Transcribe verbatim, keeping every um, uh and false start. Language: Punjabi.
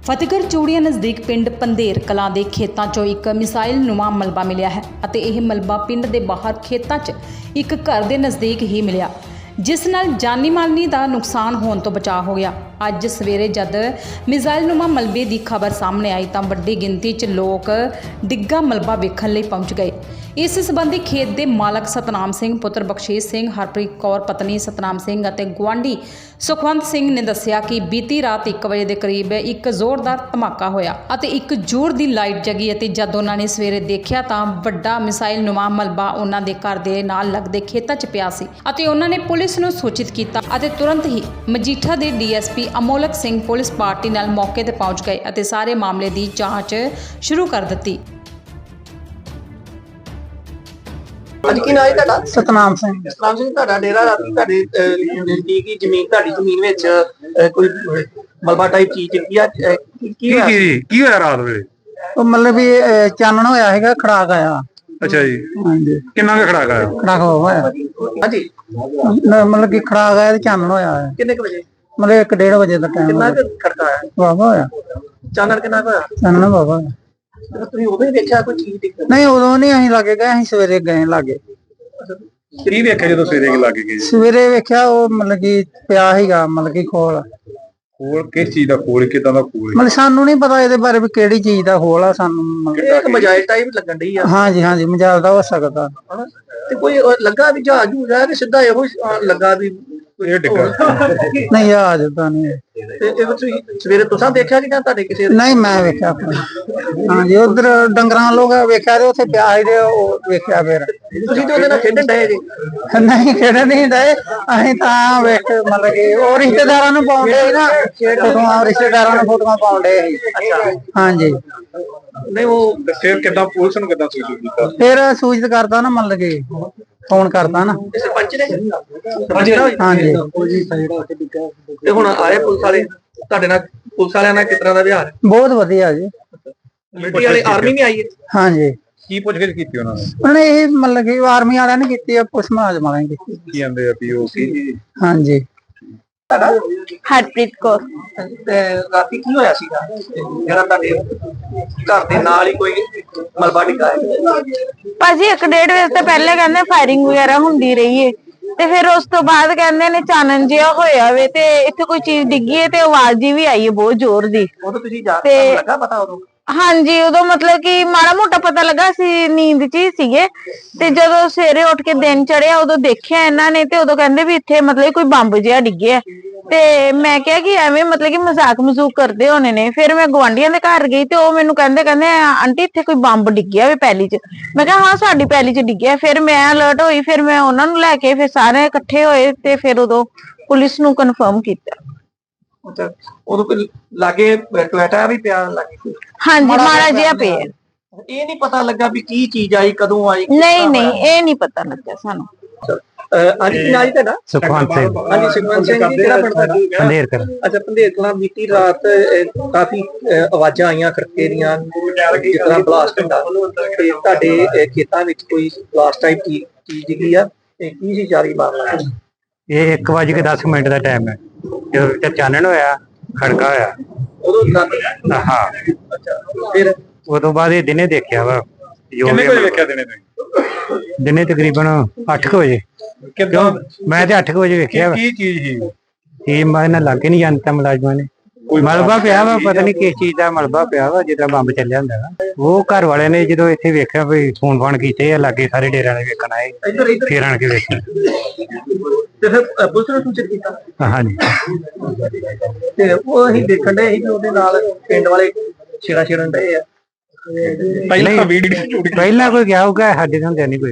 ਫਤਿਹਗੜ੍ਹ ਚੂੜੀਆਂ ਨਜ਼ਦੀਕ ਪਿੰਡ ਪੰਧੇਰ ਕਲਾਂ ਦੇ ਖੇਤਾਂ 'ਚੋਂ ਇੱਕ ਮਿਸਾਈਲ ਨੁਮਾ ਮਲਬਾ ਮਿਲਿਆ ਹੈ ਅਤੇ ਇਹ ਮਲਬਾ ਪਿੰਡ ਦੇ ਬਾਹਰ ਖੇਤਾਂ 'ਚ ਇੱਕ ਘਰ ਦੇ ਨਜ਼ਦੀਕ ਹੀ ਮਿਲਿਆ, ਜਿਸ ਨਾਲ ਜਾਨੀ ਮਾਲੀ ਦਾ ਨੁਕਸਾਨ ਹੋਣ ਤੋਂ ਬਚਾਅ ਹੋ ਗਿਆ। ਅੱਜ ਸਵੇਰੇ ਜਦ ਮਿਸਾਈਲ ਨੁਮਾ ਮਲਬੇ ਦੀ ਖਬਰ ਸਾਹਮਣੇ ਆਈ ਤਾਂ ਵੱਡੀ ਗਿਣਤੀ 'ਚ ਲੋਕ ਡਿੱਗਾ ਮਲਬਾ ਵੇਖਣ ਲਈ ਪਹੁੰਚ ਗਏ। ਇਸ ਸੰਬੰਧੀ ਖੇਤ ਦੇ ਮਾਲਕ ਸਤਨਾਮ ਸਿੰਘ ਪੁੱਤਰ ਬਖਸ਼ੀਸ਼ ਸਿੰਘ, ਹਰਪ੍ਰੀਤ ਕੌਰ ਪਤਨੀ ਸਤਨਾਮ ਸਿੰਘ ਅਤੇ ਗੁਆਂਢੀ ਸੁਖਵੰਤ ਸਿੰਘ ਨੇ ਦੱਸਿਆ ਕਿ ਬੀਤੀ ਰਾਤ ਇੱਕ ਵਜੇ ਦੇ ਕਰੀਬ ਇੱਕ ਜ਼ੋਰਦਾਰ ਧਮਾਕਾ ਹੋਇਆ ਅਤੇ ਇੱਕ ਜ਼ੋਰ ਦੀ ਲਾਈਟ ਜਗੀ ਅਤੇ ਜਦ ਉਹਨਾਂ ਨੇ ਸਵੇਰੇ ਦੇਖਿਆ ਤਾਂ ਵੱਡਾ ਮਿਸਾਈਲ ਨੁਮਾ ਮਲਬਾ ਉਹਨਾਂ ਦੇ ਘਰ ਦੇ ਨਾਲ ਲੱਗਦੇ ਖੇਤਾਂ 'ਚ ਪਿਆ ਸੀ ਅਤੇ ਉਹਨਾਂ ਨੇ ਪੁਲਿਸ ਨੂੰ ਸੂਚਿਤ ਕੀਤਾ ਅਤੇ ਤੁਰੰਤ ਹੀ ਮਜੀਠਾ ਦੇ D S P Amolak Singh police party ਨਾਲ ਮੌਕੇ ਤੇ ਪਹੁੰਚ ਗਏ ਅਤੇ ਸਾਰੇ ਮਾਮਲੇ ਦੀ ਜਾਂਚ ਸ਼ੁਰੂ ਕਰ ਦਿੱਤੀ। ਅੱਜ ਕੀ ਨਾਮ ਹੈ ਤੁਹਾਡਾ? ਸਤਨਾਮ ਸਿੰਘ। ਸਤਨਾਮ ਸਿੰਘ, ਤੁਹਾਡਾ ਡੇਰਾ ਰਾਤੀ ਤੁਹਾਡੇ ਨਜ਼ਦੀਕ ਹੀ ਜ਼ਮੀਨ ਤੁਹਾਡੀ ਜ਼ਮੀਨ ਵਿੱਚ ਅਹ, ਕੋਈ ਮਲਬਾ ਟਾਈਪ ਚੀਜ਼ ਡਿੱਗੀ ਆ, ਅਹ, ਕੀ ਕੀ ਹੋਇਆ? ਕੀ ਕੀ ਹੋਇਆ ਰਾਤ ਵੇਲੇ? ਉਹ ਮਤਲਬ ਵੀ ਅਹ, ਚਾਨਣ ਹੋਇਆ ਹੈਗਾ, ਖੜਾਕ ਆਇਆ। ਅੱਛਾ ਜੀ, ਹਾਂਜੀ, ਕਿੰਨਾ ਕੁ ਖੜਾਕ ਆਇਆ? ਖੜਾਕ ਹੋਇਆ ਹਾਂਜੀ, ਨ- ਮਤਲਬ ਕਿ ਖੜਾਕ ਆਇਆ ਤੇ ਚਾਨਣ ਹੋਇਆ ਹੈ। ਕਿੰਨੇ ਕੁ ਵਜੇ? ਮਤਲਬ ਇੱਕ ਡੇਢ ਵਜੇ ਦਾ ਟਾਈਮ ਕਿੰਨਾ ਕੁ ਖੜਕਾ ਆਇਆ? ਵਾਵਾ ਹੋਇਆ, ਚਾਨਣ ਕਿੰਨਾ ਕੁ ਹੋਇਆ? ਚਾਨਣ ਵਾਵਾ ਹੋਇਆ। ਜਦੋਂ ਤੁਸੀਂ ਉਦੋਂ ਹੀ ਦੇਖਿਆ ਕੋਈ ਚੀਜ਼ ਡਿੱਗ ਨਹੀਂ, ਉਦੋਂ ਨਹੀਂ ਅਸੀਂ ਲਾਗੇ ਗਏ, ਅਸੀਂ ਸਵੇਰੇ ਗਏ ਲਾਗੇ। ਕੀ ਵੇਖਿਆ ਜਦੋਂ ਸਵੇਰੇ ਕੀ ਲੱਗ ਗਈ? ਸਵੇਰੇ ਵੇਖਿਆ ਉਹ ਮਤਲਬ ਕਿ ਪਿਆ ਸੀਗਾ, ਮਤਲਬ ਕਿ ਖੋਲ ਖੋਲ ਕਿਸ ਚੀਜ਼ ਦਾ ਖੋਲ, ਕਿਦਾਂ ਦਾ ਖੋਲ? ਮਤਲਬ ਸਾਨੂੰ ਨਹੀਂ ਪਤਾ ਇਹਦੇ ਬਾਰੇ ਵੀ ਕਿਹੜੀ ਚੀਜ਼ ਦਾ ਖੋਲ ਆ, ਸਾਨੂੰ ਮਤਲਬ- ਇਹ ਇੱਕ ਮਜਾਇਲ ਟਾਈਪ ਲੱਗਣ ਡਈ ਆ, ਹਾਂਜੀ ਹਾਂਜੀ, ਮਜਾਲ ਦਾ ਹੋ ਸਕਦਾ। ਹਨਾ? ਤੇ ਕੋਈ ਉਹ ਲੱਗਾ ਵੀ ਜਹਾਜ਼ ਜੂਜ ਆ ਕਿ ਸਿੱਧਾ ਇਹੋ ਹੀ, ਅਹ, ਲੱਗਾ ਵੀ ਇਹ ਡਿੱਗਾ। ਨਹੀਂ, ਆ ਜਦਾ ਨਹੀਂ। ਤੇ ਇਹ ਤੁਸੀਂ ਸਵੇਰੇ ਤੁਸੀਂ ਦੇਖਿਆ ਕਿ ਜਾਂ ਤੁਹਾਡੇ ਕਿਸੇ ਨਹੀਂ, ਮੈਂ ਵੇਖਿਆ ਆਪਣਾ। ਹਾਂਜੀ, ਉਧਰ ਡੰਗਰਾਂ ਲੋਕ ਵੇਖਿਆ ਤੇ ਉੱਥੇ ਪਿਆ ਸੀ ਤੇ ਉਹ ਵੇਖਿਆ ਫਿਰ। ਤੁਸੀਂ ਤੇ ਉਹਦੇ ਨਾਲ ਖੇਡਣ ਡਏ ਜੀ? ਨਹੀਂ, ਖੇਡ ਨਹੀਂ ਡਏ ਅਸੀਂ ਤਾਂ ਵੇਖ, ਮਤਲਬ ਕਿ ਉਹ ਰਿਸ਼ਤੇਦਾਰਾਂ ਨੂੰ ਪਾਉਂਦੇ ਸੀ ਨਾ ਫੋਟੋਆਂ, ਰਿਸ਼ਤੇਦਾਰਾਂ ਨੂੰ ਫੋਟੋਆਂ ਪਾਉਂਦੇ ਸੀ। ਹਾਂਜੀ, ਨਹੀਂ ਉਹ ਫਿਰ ਕਿਦਾਂ ਪੁਲਿਸ ਨੂੰ ਕਿਦਾਂ ਸੂਚਿਤ ਕੀਤਾ? ਫਿਰ ਸੂਚਿਤ ਕਰਤਾ ਨਾ, ਮਤਲਬ ਕਿ ਫੋਨ ਕਰਤਾ ਨਾ। ਇਹ ਸਰਪੰਚ ਨੇ ਸਰਪੰਚ ਨੇ? ਹਾਂਜੀ, ਤੇ ਹੁਣ ਆਏ ਪੁਲਿਸ ਵਾਲੇ ਤੁਹਾਡੇ ਨਾਲ? ਪੁਲਿਸ ਵਾਲਿਆਂ ਨਾਲ ਕਿਸ ਤਰ੍ਹਾਂ ਦਾ ਵਿਹਾਰ? ਬਹੁਤ ਵਧੀਆ ਜੀ। ਮਿਲਟਰੀ ਵਾਲੇ, ਆਰਮੀ ਵੀ ਆਈ ਹੈ? ਹਾਂਜੀ, ਕੀ ਪੁੱਛਗਿੱਛ ਕੀਤੀ ਉਹਨਾਂ ਨੇ? ਉਹਨੇ ਇਹ ਮਤਲਬ ਕਿ ਆਰਮੀ ਵਾਲਿਆਂ ਨੇ ਕੀਤੀ ਆ, ਪੁਲਿਸ ਮੁਲਾਜ਼ਮ ਵਾਲਿਆਂ ਨੇ ਕੀਤੀ। ਕੀ ਕਹਿੰਦੇ ਆ ਵੀ ਉਹ ਕੀ? ਹਾਂਜੀ, ਹਰਪ੍ਰੀਤ ਕੌਰ। ਤੇ ਰਾਤੀ ਕੀ ਹੋਇਆ ਸੀਗਾ ਜਿਹੜਾ ਤੁਹਾਡੇ ਘਰ ਦੇ ਨਾਲ ਹੀ ਕੋਈ ਮਲਬਾ ਡਿੱਗਾ ਹੈ? ਭਾਜੀ ਇੱਕ ਡੇਢ ਵਜੇ ਤੋਂ ਪਹਿਲੇ ਕਹਿੰਦੇ ਫਾਇਰਿੰਗ ਵਗੈਰਾ ਹੁੰਦੀ ਰਹੀ ਏ ਤੇ ਫਿਰ ਉਸ ਤੋਂ ਬਾਅਦ ਕਹਿੰਦੇ ਨੇ ਚਾਨਣ ਜਿਹਾ ਹੋਇਆ ਵੇ ਤੇ ਇੱਥੇ ਕੋਈ ਚੀਜ਼ ਡਿੱਗੀ ਏ ਤੇ ਆਵਾਜ਼ ਜੀ ਵੀ ਆਈ ਏ ਬਹੁਤ ਜ਼ੋਰ ਦੀ। ਉਦੋਂ ਤੁਸੀਂ ਜਾ ਤੇ- ਤੁਹਾਨੂੰ ਲੱਗਾ ਪਤਾ ਉਦੋਂ? ਹਾਂਜੀ, ਉਦੋਂ ਮਤਲਬ ਕਿ ਮਾੜਾ ਮੋਟਾ ਪਤਾ ਲੱਗਾ ਸੀ, ਨੀਂਦ ਚ ਹੀ ਸੀਗੇ ਤੇ ਜਦੋਂ ਸਵੇਰੇ ਉੱਠ ਕੇ ਦਿਨ ਚੜਿਆ ਉਦੋਂ ਦੇਖਿਆ ਇਹਨਾਂ ਨੇ ਤੇ ਉਦੋਂ ਕਹਿੰਦੇ ਵੀ ਇੱਥੇ ਮਤਲਬ ਕੋਈ ਬੰਬ ਜਿਹਾ ਡਿੱਗਿਆ ਤੇ ਮੈਂ ਕਿਹਾ ਕਿ ਐਵੇਂ ਮਤਲਬ ਕਿ ਮਜ਼ਾਕ ਮਜ਼ੂਕ ਕਰਦੇ ਹੋਣੇ ਨੇ। ਫਿਰ ਮੈਂ ਗਵਾਂਢੀਆਂ ਦੇ ਘਰ ਗਈ ਤੇ ਉਹ ਮੈਨੂੰ ਕਹਿੰਦੇ ਕਹਿੰਦੇ ਆਂਟੀ ਇੱਥੇ ਕੋਈ ਬੰਬ ਡਿੱਗਿਆ ਵੇ ਪੈਲੀ 'ਚ। ਮੈਂ ਕਿਹਾ ਹਾਂ, ਸਾਡੀ ਪੈਲੀ 'ਚ ਡਿੱਗਿਆ। ਫਿਰ ਮੈਂ ਅਲਰਟ ਹੋਈ, ਫਿਰ ਮੈਂ ਉਹਨਾਂ ਨੂੰ ਲੈ ਕੇ ਫਿਰ ਸਾਰੇ ਇਕੱਠੇ ਹੋਏ ਤੇ ਫਿਰ ਉਦੋਂ ਪੁਲਿਸ ਨੂੰ ਕਨਫਰਮ ਕੀਤਾ। ਅੱਛਾ, ਉਦੋਂ ਕੋਈ ਲਾਗੇ ਟੋਇਟਾ ਵੀ ਪਿਆ ਲਾਗੇ? ਹਾਂਜੀ, ਮਾੜਾ ਜਿਹਾ ਪਿਆ। ਇਹ ਨਹੀਂ ਪਤਾ ਲੱਗਾ ਵੀ ਕੀ ਚੀਜ਼ ਆਈ, ਕਦੋਂ ਆਈ? ਨਹੀਂ ਨਹੀਂ, ਇਹ ਨਹੀਂ ਪਤਾ ਲੱਗਿਆ ਸਾਨੂੰ। ਅੱਜ ਕੀ ਨਾਮ ਤੁਹਾਡਾ? ਸੁਖਵੰਤ ਸਿੰਘ। ਹਾਂਜੀ, ਸੁਖਵੰਤ ਸਿੰਘ ਜੀ, ਕਿਹੜਾ ਪਿੰਡ ਤੁਹਾਡਾ? ਪੰਧੇਰ ਕਰ। ਅੱਛਾ, ਪੰਧੇਰ ਕਲਾਂ। ਬੀਤੀ ਰਾਤ ਅਹ, ਕਾਫੀ ਅਹ, ਆਵਾਜ਼ਾਂ ਆਈਆਂ ਖੜਕੇ ਦੀਆਂ, ਜਿਸ ਤਰ੍ਹਾਂ ਬਲਾਸਟ ਹੁੰਦਾ ਤੇ ਤੁਹਾਡੇ ਅਹ, ਖੇਤਾਂ ਵਿੱਚ ਕੋਈ ਬਲਾਸਟ ਟਾਈਪ ਚੀਜ਼ ਡਿੱਗੀ ਆ, ਤੇ ਕੀ ਸੀ ਜਾਰੀ ਮਾਮਲਾ? ਇਹ ਇੱਕ ਵਜੇ ਕੇ ਦਸ ਮਿੰਟ ਦਾ ਟਾਈਮ ਹੈ ਜਦੋਂ ਚਾਨਣ ਹੋਇਆ, ਖੜਕਾ ਹੋਇਆ। ਉਦੋਂ ਰਾਤੀ? ਹਾਂ, ਅੱਛਾ, ਫਿਰ ਉਹ ਤੋਂ ਬਾਅਦ ਇਹ ਦਿਨੇ ਦੇਖਿਆ ਵਾ। ਕਿੰਨੇ ਕੋਈ ਵੇਖਿਆ ਦਿਨੇ ਤੁਸੀਂ? ਦਿਨੇ ਤਕਰੀਬਨ ਅੱਠ ਕੁ ਵਜੇ। ਕਿਦਾਂ? ਮੈਂ ਤੇ ਅੱਠ ਕੁ ਵਜੇ ਵੇਖਿਆ ਵਾ। ਕੀ ਚੀਜ਼ ਸੀ? ਇਹ ਮੈਂ ਨਾ ਲੱਗੇ ਨਹੀਂ ਜਾਂਦਾ ਮੁਲਾਜ਼ਮਾਂ ਨੇ। ਮਲਬਾ ਪਿਆ ਵਾ, ਪਤਾ ਨਹੀਂ ਕਿਸ ਚੀਜ਼ ਦਾ ਮਲਬਾ ਪਿਆ ਵਾ, ਜਿੱਦਾਂ ਬੰਬ ਚੱਲਿਆ ਹੁੰਦਾ ਵਾ। ਉਹ ਘਰ ਵਾਲਿਆਂ ਨੇ ਜਦੋਂ ਇੱਥੇ ਵੇਖਿਆ ਵੀ ਫੋਨ ਫਾਨ ਕੀਤੇ ਆ, ਲਾਗੇ ਸਾਰੇ ਡੇਰਿਆਂ ਨੇ ਵੇਖਣ ਆਏ, ਇੱਧਰ ਇੱਧਰ ਫੇਰ ਆਣ ਕੇ ਵੇਖਿਆ। ਤੇ ਫਿਰ ਅਹ, ਪੁਲਿਸ ਨੂੰ ਸੂਚਿਤ ਕੀਤਾ? ਹਾਂਜੀ, ਤੇ ਉਹ ਅਸੀਂ ਦੇਖਣ ਡਏ ਸੀ ਕਿ ਉਹਦੇ ਨਾਲ ਪਿੰਡ ਵਾਲੇ ਛੇੜਾ ਛੇੜਨ ਡਏ ਆ। ਪਹਿਲਾਂ ਵੀਡੀਓ ਪਹਿਲਾਂ ਕੋਈ ਗਿਆ ਹੋਊਗਾ, ਸਾਡੇ ਹੁੰਦੇ ਨਹੀਂ ਕੋਈ।